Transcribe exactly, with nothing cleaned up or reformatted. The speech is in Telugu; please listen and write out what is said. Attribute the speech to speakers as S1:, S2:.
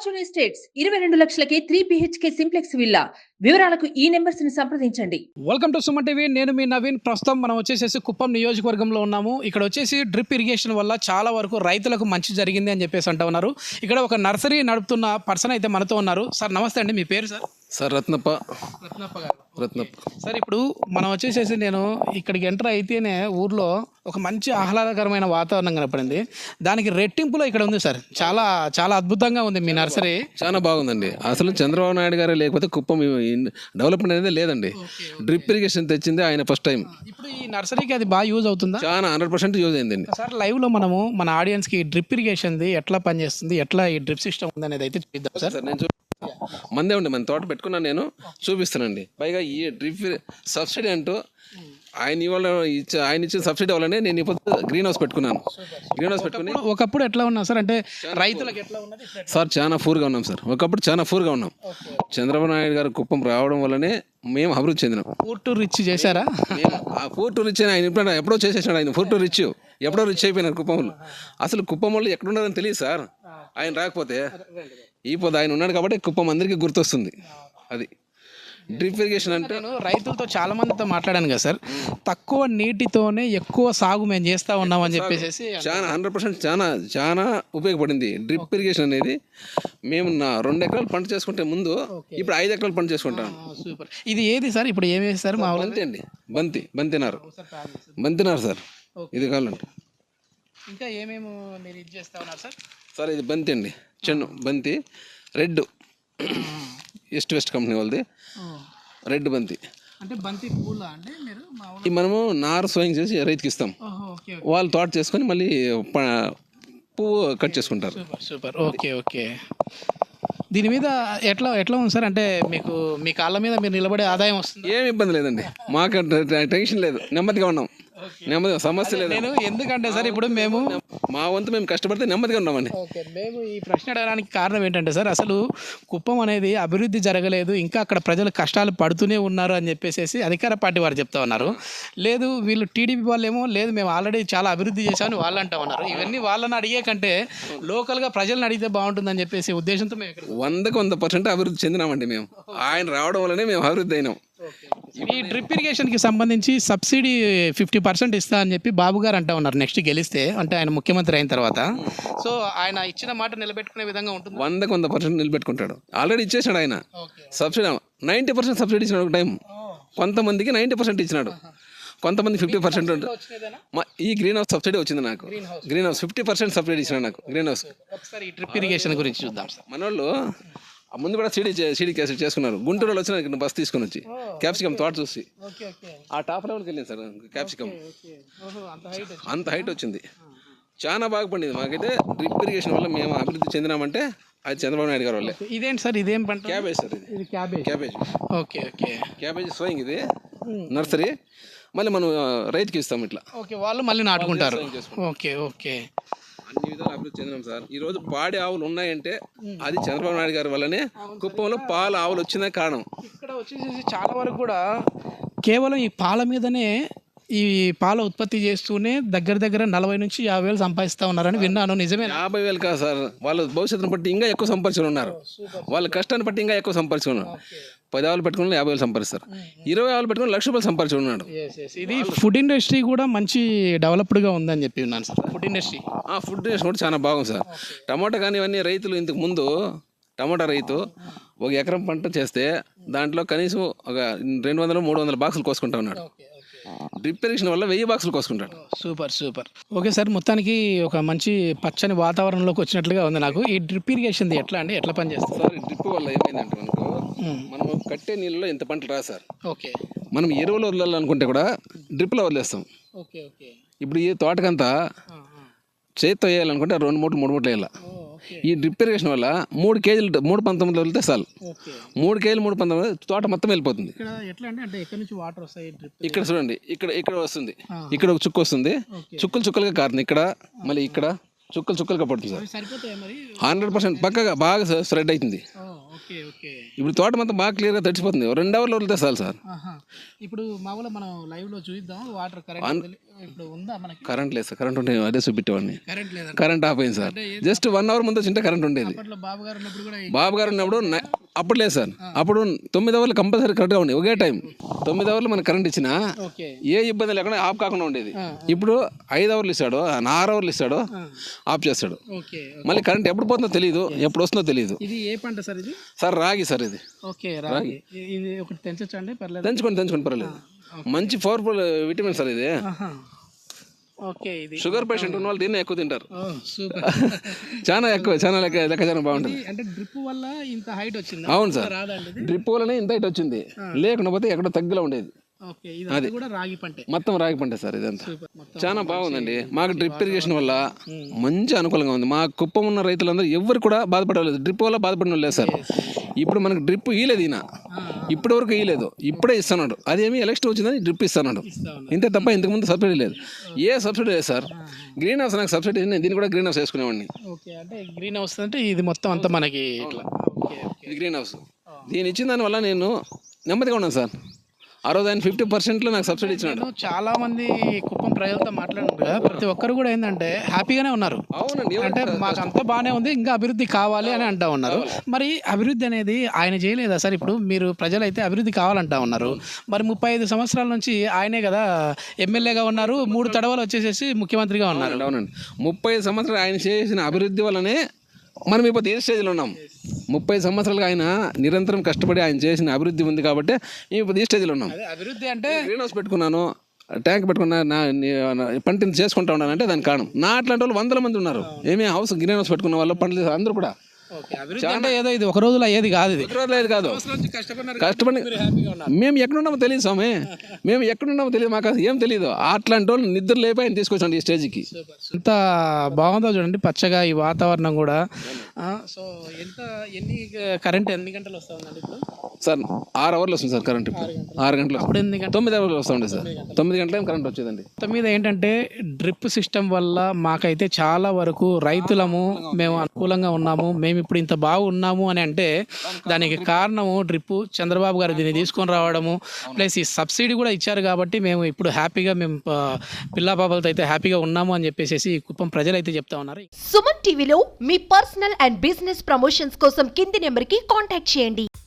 S1: ఫార్చ్యూన్ ఎస్టేట్స్ ఇరవై రెండు లక్షలకే త్రీ బిహెచ్కే సింప్లెక్స్ విల్లా. వివరాలకు ఈ నెంబర్స్ ని సంప్రదించండి.
S2: Welcome to Suman TV. నేను మీ నవీన్. ప్రస్తుతం మనం వచ్చేసేసి కుప్పం నియోజకవర్గంలో ఉన్నాము. ఇక్కడ వచ్చేసి డ్రిప్ ఇరిగేషన్ వల్ల చాలా వరకు రైతులకు మంచి జరిగింది అని చెప్పేసి అంటూ ఉన్నారు. ఇక్కడ ఒక నర్సరీ నడుపుతున్న పర్సన్ అయితే మనతో ఉన్నారు. సార్ నమస్తే అండి, మీ పేరు సార్?
S3: సార్ రత్నప్ప.
S2: రత్నప్ప గారు.
S3: రత్నప్ప
S2: సార్, ఇప్పుడు మనం వచ్చేసేసి నేను ఇక్కడికి ఎంటర్ అయితేనే ఊర్లో ఒక మంచి ఆహ్లాదకరమైన వాతావరణం కనపడింది. దానికి రెట్టింపులో ఇక్కడ ఉంది సార్. చాలా చాలా అద్భుతంగా ఉంది మీ నర్సరీ.
S3: చాలా బాగుందండి. అసలు చంద్రబాబు నాయుడు గారే లేకపోతే కుప్పం డెవలప్మెంట్ అనేది లేదండి. డ్రిప్ ఇరిగేషన్ తెచ్చింది ఆయన ఫస్ట్ టైం.
S2: ఇప్పుడు ఈ నర్సరీకి అది బాగా యూజ్ అవుతుందా?
S3: చాలా హండ్రెడ్ పర్సెంట్ యూజ్ అయిందండి.
S2: సార్, లైవ్లో మనము మన ఆడియన్స్కి డ్రిప్ ఇరిగేషన్ది ఎట్లా పనిచేస్తుంది, ఎట్లా ఈ డ్రిప్ సిస్టమ్ ఉంది అనేది అయితే చూద్దాం సార్.
S3: సార్ నేను మందే ఉండి మన తోట పెట్టుకున్నాను, నేను చూపిస్తానండి. పైగా ఈ డ్రిప్ సబ్సిడీ అంటూ ఆయన ఇవాళ ఇచ్చే ఆయన ఇచ్చిన సబ్సిడీ వల్లనే నేను ఇప్పుడు గ్రీన్ హౌస్ పెట్టుకున్నాను. గ్రీన్ హౌస్ పెట్టుకుని
S2: ఒకప్పుడు ఎట్లా ఉన్నా సార్, అంటే రైతులకు ఎట్లా ఉన్నది
S3: సార్? చాలా పూర్గా ఉన్నాం సార్. ఒకప్పుడు చాలా పూర్గా ఉన్నాం. చంద్రబాబు నాయుడు గారు కుప్పం రావడం వల్లనే మేము అభివృద్ధి చెందినాం.
S2: ఫోర్ టు రిచ్ చేశారా?
S3: మేము ఆ ఫోర్ టు రిచ్ అని ఆయన ఇప్పుడు ఎప్పుడో చేసేసాడు. ఆయన ఫోర్ టు రిచ్ ఎప్పుడో రిచ్ అయిపోయినారు కుప్పంలో. అసలు కుప్పం వాళ్ళు ఎక్కడున్నారని తెలియదు సార్. ఆయన రాకపోతే ఈ పొద్దు ఆయన ఉన్నాడు కాబట్టి కుప్పం అందరికీ గుర్తొస్తుంది. అది డ్రిప్ ఇరిగేషన్ అంటే.
S2: నేను రైతులతో చాలా మందితో మాట్లాడాను కదా సార్, తక్కువ నీటితోనే ఎక్కువ సాగు మేము చేస్తూ ఉన్నామని చెప్పేసి
S3: చాలా హండ్రెడ్ పర్సెంట్ చాలా చాలా ఉపయోగపడింది డ్రిప్ ఇరిగేషన్ అనేది. మేము నా రెండు ఎకరాలు పంట చేసుకుంటే ముందు ఇప్పుడు ఐదు ఎకరాలు పంట చేసుకుంటాం.
S2: సూపర్. ఇది ఏది సార్? ఇప్పుడు ఏమి వేస్తారు? మా
S3: బంతి అండి. బంతి బంతినారు బంతినారు సార్. ఇది కావాలంటే
S2: ఇంకా ఏమేమి మీరు ఇది చేస్తా ఉన్నారు సార్?
S3: సార్ ఇది బంతి అండి, చెన్ను బంతి, రెడ్ ఈస్ట్ వెస్ట్ కంపెనీ వాళ్ళది రెడ్ బంతి.
S2: అంటే బంతి పూల అంటే మీరు
S3: ఈ మనము నారు స్వయం చేసి రైతుకి ఇస్తాం. వాళ్ళు తోట చేసుకొని మళ్ళీ పువ్వు కట్ చేసుకుంటారు.
S2: Super super. Okay okay. దీని మీద ఎట్లా ఎట్లా ఉంది సార్? అంటే మీకు మీ కాళ్ళ మీద మీరు నిలబడే ఆదాయం వస్తుంది?
S3: ఏమి ఇబ్బంది లేదండి, మాకు టెన్షన్ లేదు, నెమ్మదిగా ఉన్నాం. నెమ్మదిగా సమస్య లేదు.
S2: నేను ఎందుకంటే సార్ ఇప్పుడు మేము
S3: మా వంతు మేము కష్టపడితే నెమ్మదిగా ఉన్నామండి.
S2: ఓకే. మేము ఈ ప్రశ్న అడగడానికి కారణం ఏంటంటే సార్, అసలు కుప్పం అనేది అభివృద్ధి జరగలేదు, ఇంకా అక్కడ ప్రజలు కష్టాలు పడుతూనే ఉన్నారు అని చెప్పేసి అధికార పార్టీ వారు చెప్తా ఉన్నారు. లేదు వీళ్ళు టీడీపీ వాళ్ళు ఏమో లేదు మేము ఆల్రెడీ చాలా అభివృద్ధి చేశామని వాళ్ళు అంటా ఉన్నారు. ఇవన్నీ వాళ్ళని అడిగే కంటే లోకల్గా ప్రజలను అడిగితే బాగుంటుందని చెప్పేసి ఉద్దేశంతో మేము ఇక్కడ
S3: వందకు వంద పర్సెంట్ అభివృద్ధి చెందినామండి. మేము ఆయన రావడం వల్లనే మేము అభివృద్ధి అయినాం.
S2: ఈ డ్రిప్ ఇరిగేషన్కి సంబంధించి సబ్సిడీ ఫిఫ్టీ పర్సెంట్ ఇస్తా అని చెప్పి బాబు గారు అంటా ఉన్నారు నెక్స్ట్ గెలిస్తే, అంటే ఆయన ముఖ్యమంత్రి అయిన తర్వాత. సో ఆయన ఇచ్చిన మాట నిలబెట్టుకునే విధంగా ఉంటుంది.
S3: వందకు వంద పర్సెంట్ నిలబెట్టుకుంటాడు. ఆల్రెడీ ఇచ్చేసాడు ఆయన సబ్సిడీ. నైంటీ పర్సెంట్ సబ్సిడీ ఇచ్చినాడు ఒక టైం. కొంతమందికి నైంటీ పర్సెంట్ ఇచ్చినాడు, కొంతమంది ఫిఫ్టీ పర్సెంట్ ఉంటుంది. ఈ గ్రీన్ హౌస్ సబ్సిడీ వచ్చింది నాకు. Greenhouse fifty percent subsidy ఇచ్చినాడు నాకు గ్రీన్ హౌస్.
S2: ఒకసారి ఈ డ్రిప్ ఇరిగేషన్ గురించి చూద్దాం సార్.
S3: మనోళ్ళు ముందు కూడా సీడీ సీడీ క్యాసెట్ చేసుకున్నారు. గుంటూరులో వచ్చిన బస్ తీసుకొని వచ్చి క్యాప్సికమ్ తోట చూసి ఆ టాప్ లెవెల్కి వెళ్ళింది సార్. క్యాప్సికమ్ అంత హైట్ వచ్చింది, చాలా బాగా పండింది. మాకైతే డ్రిప్ ఇరిగేషన్ వల్ల మేము అభివృద్ధి చెందినామంటే అది చంద్రబాబు నాయుడు గారు వల్లే.
S2: ఇదేంటి సార్? ఇదేం పంట?
S3: Cabbage sir. ఇది
S2: cabbage.
S3: Cabbage.
S2: Okay okay.
S3: Cabbage స్వయం ఇది నర్సరీ. మళ్ళీ మనం రైతుకి ఇస్తాం ఇట్లా.
S2: ఓకే, వాళ్ళు మళ్ళీ నాటుకుంటారు. Okay okay.
S3: అన్ని విధాలు అభివృద్ధి చెందినాం సార్. ఈ రోజు పాడి ఆవులు ఉన్నాయంటే అది చంద్రబాబు నాయుడు గారి వల్లనే. కుప్పంలో పాల ఆవులు వచ్చిన కారణం.
S2: ఇక్కడ వచ్చేసి చాలా వరకు కూడా కేవలం ఈ పాల మీదనే, ఈ పాల ఉత్పత్తి చేస్తూనే దగ్గర దగ్గర నలభై నుంచి యాభై వేలు సంపాదిస్తూ ఉన్నారని విన్నాను. నిజమే?
S3: యాభై వేలు కాదు సార్, వాళ్ళ భవిష్యత్తును బట్టి ఇంకా ఎక్కువ సంపాదించుకుని ఉన్నారు. వాళ్ళ కష్టాన్ని బట్టి ఇంకా ఎక్కువ సంపాదించుకున్నారు. పది ఆవులు పెట్టుకుని యాభై వేలు సంపాదిస్తారు, ఇరవై ఆవులు పెట్టుకుని లక్ష రూపాయలు సంపాదించుకున్నాడు.
S2: ఇది ఫుడ్ ఇండస్ట్రీ కూడా మంచి డెవలప్డ్గా ఉందని చెప్పి ఉన్నాను sir. Food industry
S3: food industry కూడా చాలా బాగుంది సార్. టమాటా కానీ ఇవన్నీ రైతులు ఇంతకు ముందు టమాటా రైతు ఒక ఎకరం పంట చేస్తే దాంట్లో కనీసం ఒక రెండు వందలు మూడు వందల బాక్సులు కోసుకుంటా ఉన్నాడు. డ్రిప్ ఇరిగేషన్ వల్ల వెయ్యి బాక్సులు కోసుకుంటాడు.
S2: Super super. ఓకే సార్, మొత్తానికి ఒక మంచి పచ్చని వాతావరణంలోకి వచ్చినట్లుగా ఉంది నాకు. ఈ డ్రిప్ ఇరిగేషన్ ఎట్లా అండి, ఎట్లా పనిచేస్తుంది
S3: సార్? ఈ డ్రిప్ వల్ల ఏమైందంటే మనకు మనం కట్టే నీళ్ళలో ఇంత పంటలు రా సార్.
S2: ఓకే. మనం
S3: ఎరువులు వదలాలనుకుంటే కూడా డ్రిప్లో వదిలేస్తాం.
S2: Okay okay.
S3: ఇప్పుడు ఈ తోటకంతా చేతితో వేయాలనుకుంటే రెండు మూటలు మూడు మూటలు వేయాలి. ఈ డ్రిప్ ఇరిగేషన్ వల్ల మూడు కేజీలు మూడు పంతొమ్మిది వెళ్తే చాలు. మూడు కేజీలు మూడు పంతొమ్మిది తోట మొత్తం వెళ్ళిపోతుంది. ఇక్కడ చూడండి, ఇక్కడ ఇక్కడ వస్తుంది, ఇక్కడ ఒక చుక్క వస్తుంది, చుక్కలు చుక్కలుగా కారుతుంది. ఇక్కడ మళ్ళీ ఇక్కడ చుక్కలు చుక్కలుగా పడుతుంది సార్. హండ్రెడ్ పర్సెంట్ పక్కగా బాగా స్ప్రెడ్ అవుతుంది. ఇప్పుడు తోట మొత్తం బాగా క్లియర్గా తడిచిపోతుంది రెండు అవర్లు వదిలితే చాలు సార్.
S2: ఆహా. ఇప్పుడు మామూలుగా మనం లైవ్లో చూద్దాం వాటర్ కరెంట్ ఇప్పుడు ఉందా మనకి?
S3: కరెంట్ లేదు సార్, కరెంట్ ఉంటే అదే చూపెట్టేవాడిని.
S2: కరెంట్ లేదా?
S3: కరెంట్ ఆఫ్ అయింది సార్. జస్ట్ వన్ అవర్ ముందు వచ్చింటే కరెంట్ ఉండేది.
S2: అప్పట్లో బాబు గారు ఉన్నప్పుడు కూడా
S3: బాబు గారు ఉన్నప్పుడు నై- అప్పుడు లేదు సార్, అప్పుడు తొమ్మిది అవర్లు కంపల్సరీ కరెక్ట్గా ఉండేది ఒకే టైం. తొమ్మిది అవర్లు మనకు కరెంట్ ఇచ్చినా
S2: ఓకే
S3: ఏ ఇబ్బంది లేకుండా ఆఫ్ కాకుండా ఉండేది. ఇప్పుడు ఐదు అవర్లు ఇస్తాడు, ఆరు అవర్లు ఇస్తాడు, ఆఫ్ చేస్తాడు.
S2: ఓకే.
S3: మళ్ళీ కరెంట్ ఎప్పుడు పోతుందో తెలియదు, ఎప్పుడు వస్తుందో తెలియదు.
S2: ఇది ఏ పంట సార్ ఇది?
S3: సార్ రాగి సార్ ఇది.
S2: ఓకే రాగి. ఇ- ఇది ఒకటి తెంచొచ్చా అండి? పర్లేదు.
S3: తెంచుకోండి తెంచుకోండి పర్వాలేదు. మంచి పవర్ఫుల్ విటమిన్ సార్ ఇది.
S2: ఆహా. ఓకే. ఇది
S3: షుగర్ పేషెంట్ ఉన్న వాళ్ళు దీన్నే ఎక్కువ తింటారు.
S2: Oh super.
S3: చాలా ఎక్కువ, చాలా లెక్క లెక్క చాలా బాగుంటుంది.
S2: ఇది అంటే డ్రిప్ వల్ల ఇంత హైట్ వచ్చింది.
S3: అవును సార్,
S2: రాదండి ఇది?
S3: డ్రిప్ వల్లనే ఇంత ఇటు వచ్చింది, లేకుండా పోతే ఎక్కడో తగ్గులా ఉండేది.
S2: ఓకే. ఇది కూడా రాగి పంటే.
S3: మొత్తం రాగి పంట సార్ ఇదంతా.
S2: సూపర్. మొత్తం
S3: చాలా బాగుందండి. మాకు డ్రిప్ ఇరిగేషన్ వల్ల మంచి అనుకూలంగా ఉంది. మా కుప్పం ఉన్న రైతులందరూ ఎవరు కూడా బాధపడలేదు, డ్రిప్ వల్ల బాధపడిన లేదు సార్. ఇప్పుడు మనకు డ్రిప్ ఇయలేదు ఈయన, ఇప్పటి వరకు ఇయలేదు, ఇప్పుడే ఇస్తున్నాడు. అదేమి ఎలక్షన్ వచ్చిందని డ్రిప్ ఇస్తున్నాడు, ఇంతే తప్ప ఇంతకుముందు సబ్సిడీ లేదు. ఏ సబ్సిడీ లేదు సార్. గ్రీన్ హౌస్ నాకు సబ్సిడీ, నేను దీన్ని కూడా గ్రీన్ హౌస్ వేసుకునేవాడిని.
S2: ఓకే. అంటే గ్రీన్ హౌస్ అంటే ఇది మొత్తం అంతా మనకి ఇట్లా. ఓకే.
S3: ఇది గ్రీన్ హౌస్. దీని ఇచ్చిన దానివల్ల నేను నెమ్మదిగా ఉన్నాను సార్. ఆ రోజు ఆయన ఫిఫ్టీ పర్సెంట్లో నాకు సబ్సిడీ ఇచ్చినాడు.
S2: నేను చాలా మంది కుప్పం ప్రజలతో మాట్లాడినారు కదా, ప్రతి ఒక్కరు కూడా ఏంటంటే హ్యాపీగానే ఉన్నారు.
S3: అవునండి.
S2: అంటే మాకు అంతా బాగానే ఉంది, ఇంకా అభివృద్ధి కావాలి అని అంటా ఉన్నారు. మరి అభివృద్ధి అనేది ఆయన చేయలేదా సార్? ఇప్పుడు మీరు ప్రజలైతే అభివృద్ధి కావాలంటా ఉన్నారు. మరి ముప్పై ఐదు సంవత్సరాల నుంచి ఆయనే కదా ఎమ్మెల్యేగా ఉన్నారు, మూడు తడవలు వచ్చేసేసి ముఖ్యమంత్రిగా ఉన్నారు.
S3: అవునండి. ముప్పై సంవత్సరాలు ఆయన చేసిన అభివృద్ధి వల్లనే మనం ఇప్పుడు ఏ స్టేజ్లో ఉన్నాం. ముప్పై సంవత్సరాలుగా ఆయన నిరంతరం కష్టపడి ఆయన చేసిన అభివృద్ధి ఉంది కాబట్టి మేము ఇప్పుడు ఈ స్టేజ్లో ఉన్నాం.
S2: అదే అభివృద్ధి అంటే
S3: గ్రీన్ హౌస్ పెట్టుకున్నాను, ట్యాంక్ పెట్టుకున్నా, నా నీ- పంటని చేసుకుంటా ఉన్నానంటే దానికి కారణం నా అట్లాంటి వాళ్ళు వందల మంది ఉన్నారు. ఏమే హౌస్ గ్రీన్ హౌస్ పెట్టుకున్న వాళ్ళు పంటలు అందరూ కూడా.
S2: ఓకే. అభివృద్ధి అంటే ఏదో ఇది ఒక రోజులో ఏది కాదు, ఇది
S3: లేదు కాదు, కష్టపడి మేము ఎక్కడున్నామో తెలియదు స్వామి, మేము ఎక్కడున్నామో తెలియదు, మాకు అసలు ఏం తెలియదు. అట్లాంటి వాళ్ళు నిద్ర లేపి ఆయన తీసుకొచ్చాడు ఈ స్టేజ్కి.
S2: ఎంత బాగుందో చూడండి, పచ్చగా ఈ వాతావరణం కూడా. ఆ, సో ఎంత ఎన్ని కరెంట్ ఎన్ని గంటలు వస్తా ఉందండి ఇప్పుడు?
S3: సార్ ఆరు అవర్లు వస్తుంది సార్ కరెంట్. ఇప్పుడు ఆరు గంటలు,
S2: ఇప్పుడు ఎన్ని గంటలు?
S3: తొమ్మిది అవర్లు వస్తూ ఉండే సార్. తొమ్మిది గంటల కరెంట్ వచ్చేదండి.
S2: మొత్తం మీద ఏంటంటే డ్రిప్ సిస్టమ్ వల్ల మాకైతే చాలా వరకు రైతులము మేము అనుకూలంగా ఉన్నాము. మేము ఇప్పుడు ఇంత బాగున్నాము అని అంటే దానికి కారణము డ్రిప్. చంద్రబాబు గారు దీన్ని తీసుకొని రావడము, ప్లస్ ఈ సబ్సిడీ కూడా ఇచ్చారు కాబట్టి మేము ఇప్పుడు హ్యాపీగా మేము పిల్లా పాపలతో అయితే హ్యాపీగా ఉన్నాము అని చెప్పేసి కుప్పం ప్రజలు అయితే చెప్తా ఉన్నారు.
S4: సుమన్ టీవీలో మీ పర్సనల్ అండ్ బిజినెస్ ప్రమోషన్స్ కోసం కింది నెంబర్కి కాంటాక్ట్ చేయండి.